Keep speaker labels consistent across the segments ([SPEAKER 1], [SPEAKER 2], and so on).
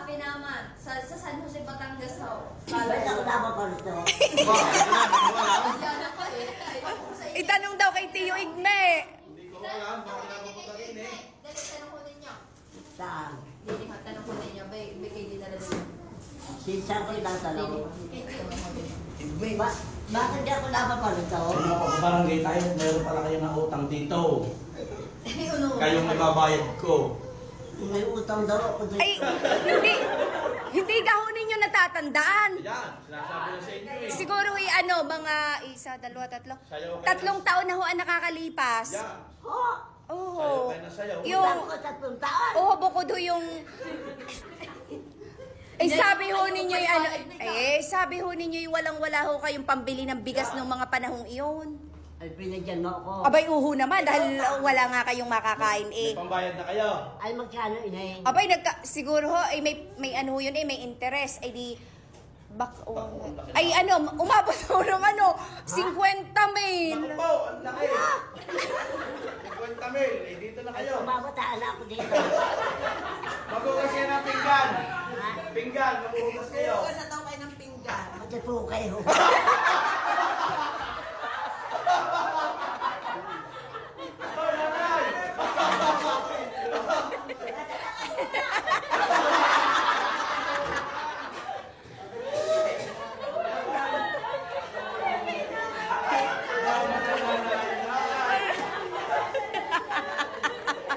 [SPEAKER 1] Happy naman. Sa San Jose, Batangas ho.
[SPEAKER 2] Ba't ako napapaluto?
[SPEAKER 1] Yan ako eh. Ayun ko sa inyo.
[SPEAKER 3] Itanong daw kay Tio Igme.
[SPEAKER 4] Hindi ko alam, bakit napapunta rin eh.
[SPEAKER 1] Dali, tanong ko ninyo.
[SPEAKER 2] Saan?
[SPEAKER 1] Dili ha, tanong ko ninyo. Bay kayo di talaga ninyo.
[SPEAKER 2] Sinsan ko yung nasa
[SPEAKER 1] Dili.
[SPEAKER 2] loob.
[SPEAKER 1] Tanong ko ninyo.
[SPEAKER 2] Bakit di ako napapaluto?
[SPEAKER 4] Sa mga pagbabarangay tayo, meron pala kayo ng utang dito.
[SPEAKER 1] Ano?
[SPEAKER 4] Kayong ibabayad ko.
[SPEAKER 2] May utang daw ako dito.
[SPEAKER 3] Ay, hindi daw ninyo natatandaan.
[SPEAKER 4] Yan, sinasabi na sa inyo eh.
[SPEAKER 3] Siguro mga isa, dalawa, tatlo.
[SPEAKER 4] Sayaw kayo.
[SPEAKER 3] 3 taon na ho ang nakakalipas.
[SPEAKER 4] Yan,
[SPEAKER 2] Oh!
[SPEAKER 3] Oo.
[SPEAKER 4] sayaw kayo na sayaw.
[SPEAKER 2] Utang ko 3 taon.
[SPEAKER 3] Oo, bukod ho yung... sabi ho ninyo yung sabi ho ninyo yung walang-wala ho kayong pambili ng bigas ng mga panahong iyon.
[SPEAKER 2] Ay, pinagyan mo ako.
[SPEAKER 3] Abay, uho naman dahil wala nga kayong makakain
[SPEAKER 4] May pambayad na kayo.
[SPEAKER 2] Ay, magkano inay?
[SPEAKER 3] Abay, siguro ho, may ano yun may interest. Ay di, umabot ho ng 50 mil.
[SPEAKER 4] Naku po, ang laki. 50 mil, eh dito na kayo.
[SPEAKER 2] Mabataan ako dito.
[SPEAKER 4] Magugas kayo ng pinggan. Pinggan, magugas kayo.
[SPEAKER 1] Huwag na daw kayo ng pinggan.
[SPEAKER 2] Pati po kayo.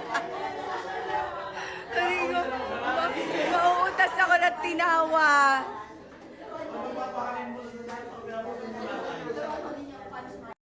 [SPEAKER 3] Mauutas ako ng tinawa.